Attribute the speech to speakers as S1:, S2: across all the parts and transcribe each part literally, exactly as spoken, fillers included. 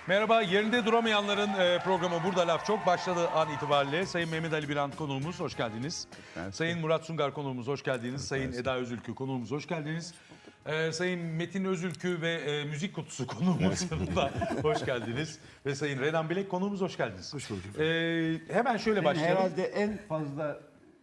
S1: Merhaba, yerinde duramayanların e, programı Burada Laf Çok başladığı an itibariyle Sayın Mehmet Ali Birant konuğumuz, hoş geldiniz. Evet. Sayın Murat Sungar konuğumuz, hoş geldiniz. Evet. Sayın Eda Özülkü konuğumuz, hoş geldiniz. Ee, Sayın Metin Özülkü ve e, Müzik Kutusu konuğumuz da hoş geldiniz. Ve Sayın Renan Bilek konuğumuz, hoş geldiniz.
S2: Hoş bulduk.
S1: Ee, hemen şöyle
S2: Senin
S1: başlayalım.
S2: herhalde en fazla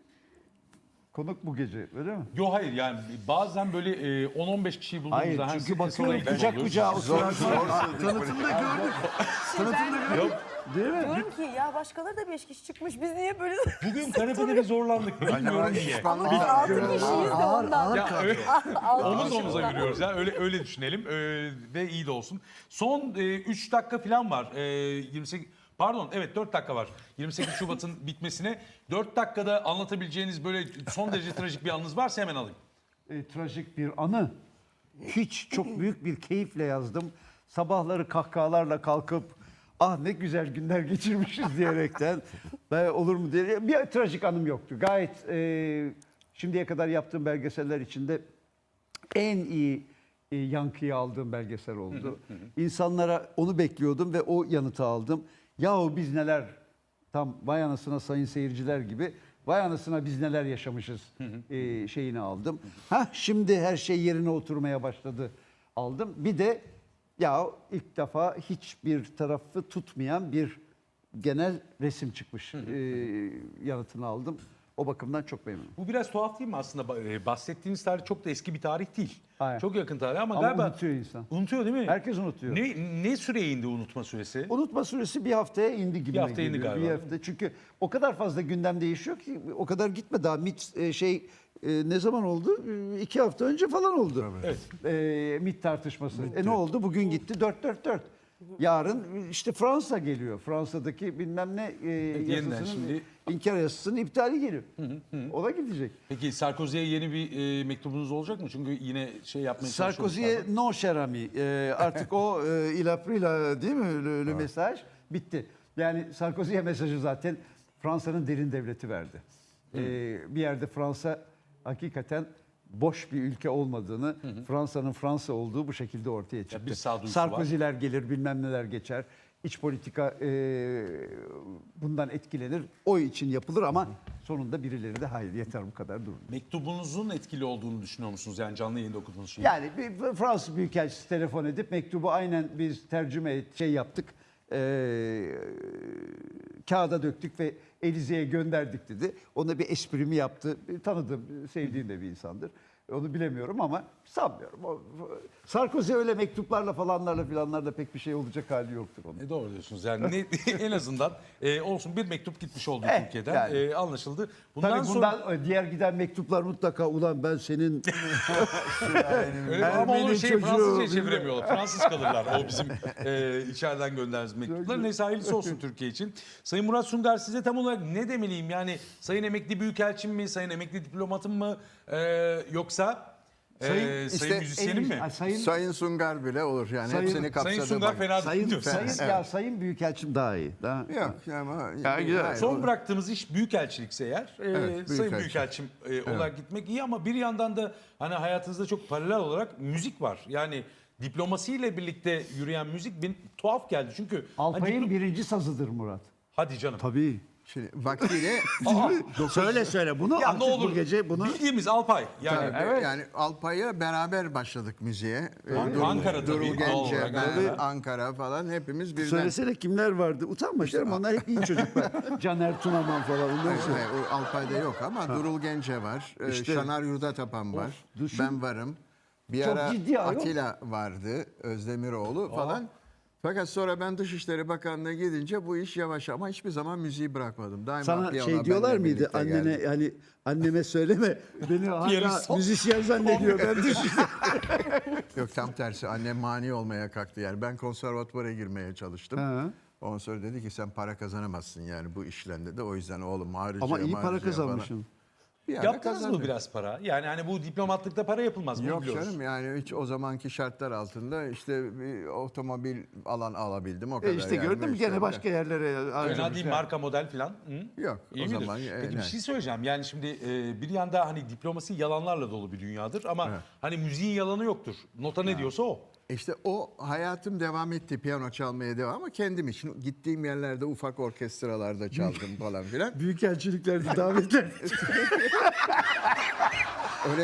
S2: konuk bu gece, öyle mi?
S1: Yok hayır, yani bazen böyle e, on on beş kişiyi bulduğumuzda...
S2: Hayır, çünkü bakıyorum kucak kucağa oturan.
S3: Tanıtımda gördük. Tanıtımda gördük.
S1: Yok.
S2: Değil mi?
S4: Diyorum ki ya başkaları da beş kişi çıkmış. Biz niye böyle...
S1: Bugün kanepede bir zorlandık. Bilmiyorum niye.
S4: Ama biz altı kişiyiz de ondan.
S1: Ya, öyle,
S4: Altı
S1: omuz
S4: kişi
S1: omuza
S4: ondan.
S1: yürüyoruz ya, öyle öyle düşünelim ee, ve iyi de olsun. Son üç dakika falan var. E, yirmi sekiz Pardon, evet dört dakika var. yirmi sekiz Şubat'ın bitmesine. dört dakikada anlatabileceğiniz böyle son derece trajik bir anınız varsa hemen alayım.
S2: E, trajik bir anı. Hiç çok büyük bir keyifle yazdım. Sabahları kahkahalarla kalkıp ah ne güzel günler geçirmişiz diyerekten ben olur mu diye bir trajik anım yoktu. Gayet e, şimdiye kadar yaptığım belgeseller içinde en iyi e, yankıyı aldığım belgesel oldu. İnsanlara onu bekliyordum ve o yanıtı aldım. Yahu biz neler, tam vay anasına sayın seyirciler gibi, vay anasına biz neler yaşamışız e, şeyini aldım. Ha şimdi her şey yerine oturmaya başladı aldım. Bir de ya ilk defa hiçbir tarafı tutmayan bir genel resim çıkmış. e, yanıtını aldım. O bakımdan çok memnunum.
S1: Bu biraz tuhaf değil mi aslında? Ee, Bahsettiğiniz tarih çok da eski bir tarih değil.
S2: Hayır.
S1: Çok yakın tarih ama,
S2: Ama
S1: galiba...
S2: unutuyor insan.
S1: Unutuyor değil mi?
S2: Herkes unutuyor.
S1: Ne, ne süreye indi unutma süresi?
S2: Unutma süresi bir haftaya indi gibi.
S1: Bir hafta indi galiba.
S2: Bir hafta. Çünkü o kadar fazla gündem değişiyor ki o kadar gitme daha. MİT e, şey e, ne zaman oldu? E, iki hafta önce falan oldu.
S1: Evet.
S2: E, MİT tartışması. E, ne oldu? Bugün gitti dört dört dört. Yarın işte Fransa geliyor. Fransa'daki bilmem ne e,
S1: yeniden
S2: yasasının,
S1: şimdi-
S2: inkar yasasının iptali geliyor. O da gidecek.
S1: Peki Sarkozy'ye yeni bir e, mektubunuz olacak mı? Çünkü yine şey yapmaya çalışıyoruz.
S2: Sarkozy'ye no cher ami. E, artık o e, il a pris la, değil mi? Le, le mesaj bitti. Yani Sarkozy'ye mesajı zaten Fransa'nın derin devleti verdi. E, bir yerde Fransa hakikaten boş bir ülke olmadığını, Fransa'nın Fransa olduğu bu şekilde ortaya çıktı.
S1: bir sağduyusu
S2: Sarkozy'ler gelir, bilmem neler geçer. İç politika e, bundan etkilenir. O için yapılır ama sonunda birileri de hayır yeter bu kadar durun.
S1: Mektubunuzun etkili olduğunu düşünüyor musunuz? Yani canlı yayında okuduğunuz şey.
S2: Yani bir Fransız Büyükelçisi telefon edip mektubu aynen biz tercüme et, şey yaptık. E, kağıda döktük ve Elize'ye gönderdik dedi. Ona bir esprimi yaptı. Tanıdığım, sevdiğim de bir insandır. Onu bilemiyorum ama sanmıyorum. O, Sarkozy öyle mektuplarla falanlarla filanlarla pek bir şey olacak hali yoktur onun.
S1: E doğru diyorsunuz. Yani ne, en azından e, olsun bir mektup gitmiş oldu
S2: Eh,
S1: Türkiye'den.
S2: yani.
S1: E, anlaşıldı. Bundan
S2: Tabii
S1: sonra
S2: bundan diğer giden mektuplar mutlaka ulan ben senin
S1: öyle, ama onu
S2: Ermeni
S1: şey
S2: çocuğu,
S1: Fransızca
S2: bilmem-
S1: çeviremiyorlar. Fransız kalırlar. O bizim e, içeriden gönderdiğimiz mektuplar. Neyse hayırlısı olsun Türkiye için. Sayın Murat Sungar, size tam olarak ne demeliyim? Yani sayın emekli büyükelçim mi? Sayın emekli diplomatım mı? E, yoksa e,
S2: Sayın-
S1: sayın,
S3: işte
S1: müzisyenim mi?
S2: Ay, sayın
S3: Sayın Sungar bile olur yani
S2: Sayın-
S3: hepsini kapsadı.
S1: Sayın Sungar
S3: bak.
S1: fena
S2: sayın
S1: değil.
S2: sayın
S3: Evet.
S2: ya sayın büyükelçim daha iyi. Daha,
S3: Yok ama
S2: Ya, güzel.
S3: hayır,
S1: Son
S3: o-
S1: bıraktığımız iş büyükelçilikse eğer, e,
S3: Evet,
S1: sayın
S3: büyükelçi.
S1: büyükelçim e, olarak gitmek iyi ama bir yandan da hani hayatınızda çok paralel olarak müzik var. Yani diplomasiyle birlikte yürüyen müzik bir tuhaf geldi. Çünkü
S2: Alpay'ın
S1: hani diplo-
S2: birinci sazıdır Murat.
S1: hadi canım.
S2: Tabii.
S3: Şimdi vaktiyle
S2: Söyle söyle bunu
S1: Ya
S2: artık
S1: ne olur
S2: bu gece bunu
S1: bildiğimiz Alpay. Yani
S3: Tabii, yani Alpay'a beraber başladık müziğe. Ee,
S1: An-
S3: Durul-
S1: Ankara tabii,
S3: Durul
S1: doğal
S3: Gence,
S1: olarak
S3: ben,
S1: Ankara.
S3: Ankara falan hepimiz birden.
S2: söylesene kimler vardı. Utanma canım onlar hep iyi çocuklar. Caner Tunaman falan onları
S3: Hayır,
S2: söyle.
S3: hayır, o Alpay'da yok ama Durul Gence var. ee,
S2: İşte-
S3: Şanar Yurdatapan var.
S2: düşün.
S3: Ben varım. Bir
S2: Çok
S3: ara
S2: ciddi ayol.
S3: Atilla vardı. Özdemiroğlu falan. Fakat sonra ben Dışişleri Bakanlığı'na gidince bu iş yavaş ama hiçbir zaman müziği bırakmadım. Daima
S2: Sana
S3: piyano
S2: şey
S3: benimle
S2: diyorlar mıydı
S3: birlikte
S2: annene
S3: geldi.
S2: yani anneme söyleme beni hala
S1: Piyanist.
S2: müzisyen zannediyor ben düşünüyorum.
S3: Yok tam tersi annem mani olmaya kalktı yani. Ben konservatuvara girmeye çalıştım.
S2: Ha.
S3: Ondan sonra dedi ki sen para kazanamazsın yani bu işle dedi. O yüzden oğlum harcaya
S2: Ama iyi para
S3: harcaya falan.
S2: kazanmışsın.
S3: Bir ara
S1: yaptınız mı
S3: kazandım.
S1: biraz para? Yani hani bu diplomatlıkta para yapılmaz mı?
S3: Yok
S1: biliyoruz.
S3: canım yani hiç o zamanki şartlar altında işte bir otomobil alan alabildim o kadar.
S2: E işte
S3: yani.
S2: gördün mü
S3: İşte
S2: gene başka yerlere
S1: Fena değil,
S2: harcamışlar.
S1: marka model falan. Hı?
S3: Yok,
S1: İyi
S3: o
S1: midir?
S3: zaman, e,
S1: Peki bir
S3: ne?
S1: şey söyleyeceğim. Yani şimdi e, bir yanda hani diplomasi yalanlarla dolu bir dünyadır ama
S3: Evet.
S1: hani müziğin yalanı yoktur. Nota ne diyorsa o.
S3: İşte o hayatım devam etti. Piyano çalmaya devam ama kendim için. Gittiğim yerlerde ufak orkestralarda çaldım falan filan.
S2: Büyükelçiliklerde davetler.
S3: Öyle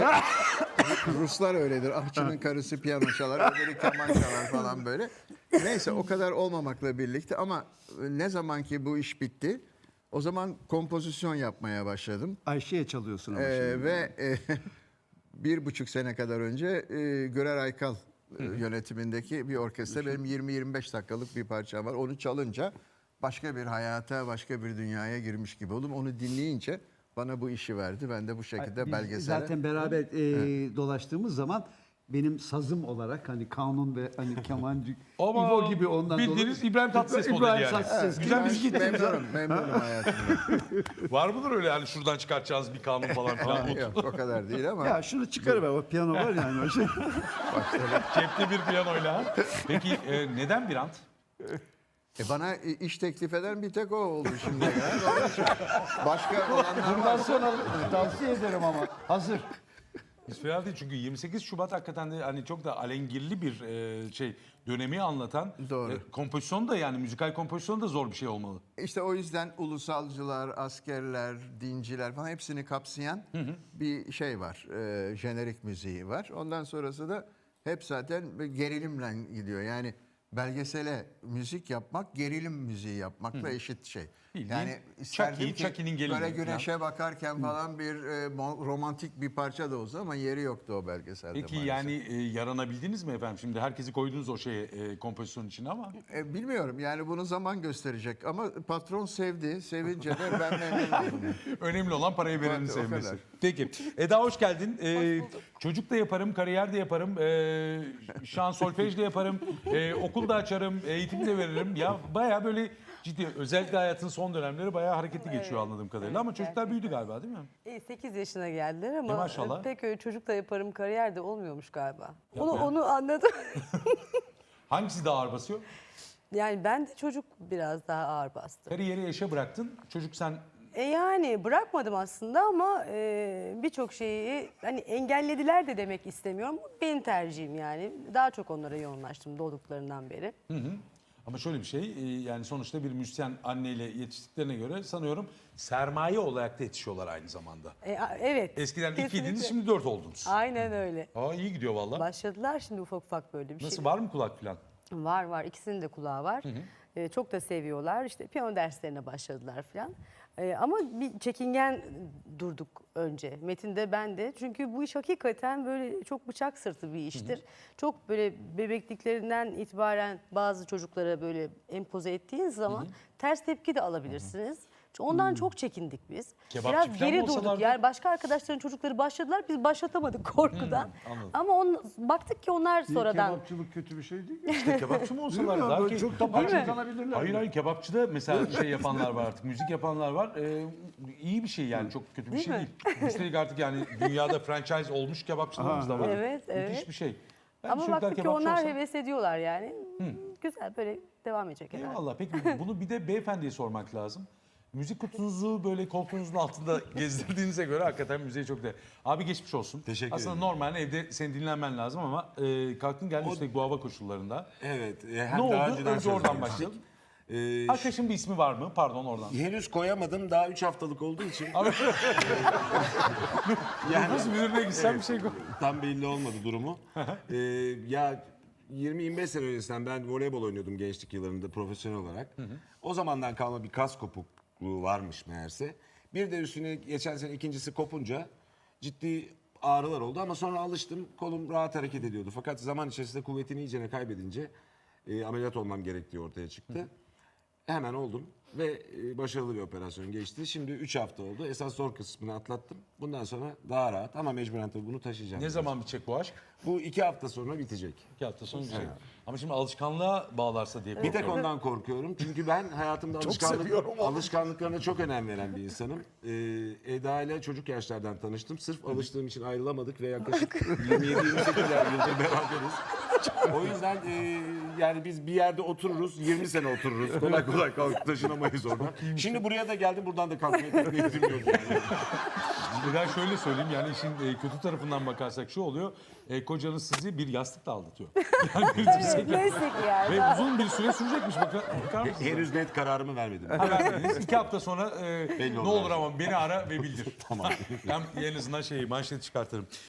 S3: Ruslar öyledir. Ahçının karısı piyano çalar, öbürü keman çalar falan böyle. Neyse o kadar olmamakla birlikte ama ne zaman ki bu iş bitti o zaman kompozisyon yapmaya başladım.
S2: Ayşe'ye çalıyorsun ama
S3: Ee,
S2: şimdi.
S3: ve e, bir buçuk sene kadar önce e, Görer Aykal e, yönetimindeki bir orkestra benim yirmi yirmi beş dakikalık bir parçam var. Onu çalınca başka bir hayata, başka bir dünyaya girmiş gibi oldum. Onu dinleyince bana bu işi verdi. Ben de bu şekilde
S2: Biz
S3: belgesele...
S2: zaten beraber e, dolaştığımız zaman benim sazım olarak hani kanun ve hani kemancı
S1: Ama
S2: İbo gibi ondan
S1: bildiğiniz
S2: dolayı-
S1: İbrahim Tatlıses modeli
S2: İbrahim
S1: yani.
S2: Tatlıses.
S1: Güzel
S3: Ben
S1: müzik getirdiniz.
S3: memnunum, memnunum hayatımda.
S1: Var mıdır öyle yani şuradan çıkartacağız bir kanun falan filan?
S3: Yok o kadar değil ama
S2: Ya şunu çıkarıver, o piyano var yani o şey.
S1: Cepte bir piyanoyla. Peki e, neden Birant?
S3: e, bana iş teklif eden bir tek o oldu şimdiye kadar. Onun için başka olanlar
S2: Bundan
S3: var.
S2: sonra tavsiye ederim ama hazır.
S1: Hiç fena değil çünkü yirmi sekiz Şubat hakikaten de hani çok da alengirli bir e, şey dönemi anlatan.
S3: Doğru.
S1: E, kompozisyon da yani müzikal kompozisyon da zor bir şey olmalı.
S3: İşte o yüzden ulusalcılar, askerler, dinciler falan hepsini kapsayan bir şey var. E, jenerik müziği var. Ondan sonrası da hep zaten gerilimle gidiyor. Yani belgesele müzik yapmak gerilim müziği yapmakla eşit şey.
S1: Bildiğin
S3: Yani isterdim
S1: Chucky,
S3: ki
S1: Chucky'nin gelini
S3: böyle
S1: falan.
S3: güneşe bakarken falan bir e, mo- romantik bir parça da olsa ama yeri yoktu o belgeselde
S1: Peki
S3: maalesef.
S1: yani e, yaranabildiniz mi efendim? Şimdi herkesi koydunuz o şeye e, kompozisyon içine ama.
S3: E, bilmiyorum yani bunu zaman gösterecek ama patron sevdi. Sevince de ben memnunum.
S1: Önemli olan parayı verenin
S3: Evet, o
S1: sevmesi.
S3: kadar.
S1: Peki. Eda hoş geldin. Ee, çocuk da yaparım, kariyer de yaparım. Ee, şan solfej de yaparım. Ee, okul da açarım, eğitim de veririm. Ya bayağı böyle ciddi, özellikle hayatın son dönemleri bayağı hareketli geçiyor anladığım kadarıyla. Ama çocuklar büyüdü galiba değil mi?
S4: sekiz yaşına geldiler ama
S1: E, maşallah.
S4: pek öyle çocuk da yaparım kariyer de olmuyormuş galiba. Onu
S1: Yapma.
S4: onu anladım.
S1: Hangisi daha ağır basıyor?
S4: Yani ben de çocuk biraz daha ağır bastı.
S1: Kariyeri eşe bıraktın. Çocuk sen
S4: E yani bırakmadım aslında ama e, birçok şeyi hani engellediler de demek istemiyorum. Benim tercihim yani. Daha çok onlara yoğunlaştım doğduklarından beri.
S1: ama şöyle bir şey e, yani sonuçta bir müzisyen anneyle yetiştiklerine göre sanıyorum sermaye olarak da yetişiyorlar aynı zamanda.
S4: E, a- evet.
S1: Eskiden
S4: kesinlikle.
S1: ikiydiniz şimdi dört oldunuz.
S4: Aynen öyle.
S1: Aa iyi gidiyor valla.
S4: Başladılar şimdi ufak ufak böyle bir
S1: Nasıl
S4: şey.
S1: var mı kulak falan?
S4: Var var, ikisinin de kulağı var. Ee, çok da seviyorlar. İşte piyano derslerine başladılar falan. Ee, ama bir çekingen durduk önce. Metin de ben de. Çünkü bu iş hakikaten böyle çok bıçak sırtı bir iştir. Çok böyle bebekliklerinden itibaren bazı çocuklara böyle empoze ettiğiniz zaman ters tepki de alabilirsiniz. Ondan çok çekindik biz.
S1: Kebapçı
S4: Biraz
S1: falan
S4: geri
S1: mı
S4: durduk.
S1: olsalardı?
S4: Yani başka arkadaşların çocukları başladılar. Biz başlatamadık korkudan.
S1: anladım.
S4: Ama on, baktık ki onlar sonradan
S2: Kebapçılık kötü bir şey değil.
S1: İşte kebapçı mı olsalar
S2: Bilmiyorum,
S1: daha
S2: böyle
S1: ki...
S2: çok da para kazanabilirler.
S1: Hayır hayır kebapçıda mesela şey yapanlar var artık, müzik yapanlar var. Ee, iyi bir şey yani, çok kötü bir
S4: Değil
S1: şey
S4: mi?
S1: değil. Üstelik artık yani dünyada franchise olmuş kebapçılarımız da var.
S4: Evet,
S1: Müthiş
S4: evet.
S1: bir şey. Ben
S4: Ama
S1: çocuklar
S4: baktık ki
S1: kebapçı
S4: onlar
S1: olsa-
S4: heves ediyorlar yani. Güzel böyle devam edecek herhalde.
S1: Eyvallah. Peki bunu bir de beyefendiye sormak lazım. Müzik kutunuzu böyle koltuğunuzun altında gezdirdiğinize göre hakikaten müziğe çok da... Abi geçmiş olsun.
S5: Teşekkür
S1: Aslında
S5: ederim.
S1: normal evde senin dinlenmen lazım ama e, kalktın geldin üstelik bu hava koşullarında.
S5: Evet. e,
S1: Ne
S5: hem
S1: oldu?
S5: daha önceden
S1: Önce oradan
S5: sözlemiştik.
S1: başlayalım.
S5: Ee,
S1: Arkadaşın bir ismi var mı? Pardon oradan.
S5: henüz koyamadım. Daha üç haftalık olduğu için
S1: Abi
S5: yani
S1: nasıl müdürüne gitsen bir şey koy.
S5: tam belli olmadı durumu. Ee, ya yirmi yirmi beş sene öncesinden ben voleybol oynuyordum gençlik yıllarında profesyonel olarak. O zamandan kalma bir kas kopukluğu varmış meğerse. Bir de üstüne geçen sene ikincisi kopunca ciddi ağrılar oldu ama sonra alıştım. Kolum rahat hareket ediyordu. Fakat zaman içerisinde kuvvetini iyicene kaybedince e, ameliyat olmam gerektiği ortaya çıktı. Hemen oldum ve e, başarılı bir operasyon geçti. Şimdi üç hafta oldu. Esas zor kısmını atlattım. Bundan sonra daha rahat ama mecburen tabii bunu taşıyacağım.
S1: Ne zaman bitecek bu aşk?
S5: Bu iki hafta sonra bitecek.
S1: İki hafta sonra bitecek. Ama şimdi alışkanlığa bağlarsa diye
S5: Bir
S1: korkuyorum.
S5: tek ondan korkuyorum. Çünkü ben hayatımda alışkanlık, alışkanlıklarına çok önem veren bir insanım. Ee, Eda ile çocuk yaşlardan tanıştım. Sırf alıştığım için ayrılamadık ve yaklaşık yirmi yedi yirmi sekiz yıldır beraberiz. O yüzden e, yani biz bir yerde otururuz, yirmi sene otururuz. Kolay kolay kalkıp taşınamayız oradan. Şimdi buraya da geldim, buradan da kalkmaya pek niyetim yok. Yani.
S1: Eda şöyle söyleyeyim yani işin e, kötü tarafından bakarsak şu oluyor. E, kocanız sizi bir yastıkla aldatıyor. Yani bir dirsek-
S4: Neyse ki yani.
S1: Ve uzun bir süre sürecekmiş. Bakar, bakar mısınız?
S5: Henüz net kararımı vermedim.
S1: Ha, vermediniz. İki hafta sonra e,
S5: Belli
S1: ne
S5: olur
S1: olur
S5: abi.
S1: ama beni ara ve bildir. Tamam. Ben en azından şeyi manşeti çıkartırım.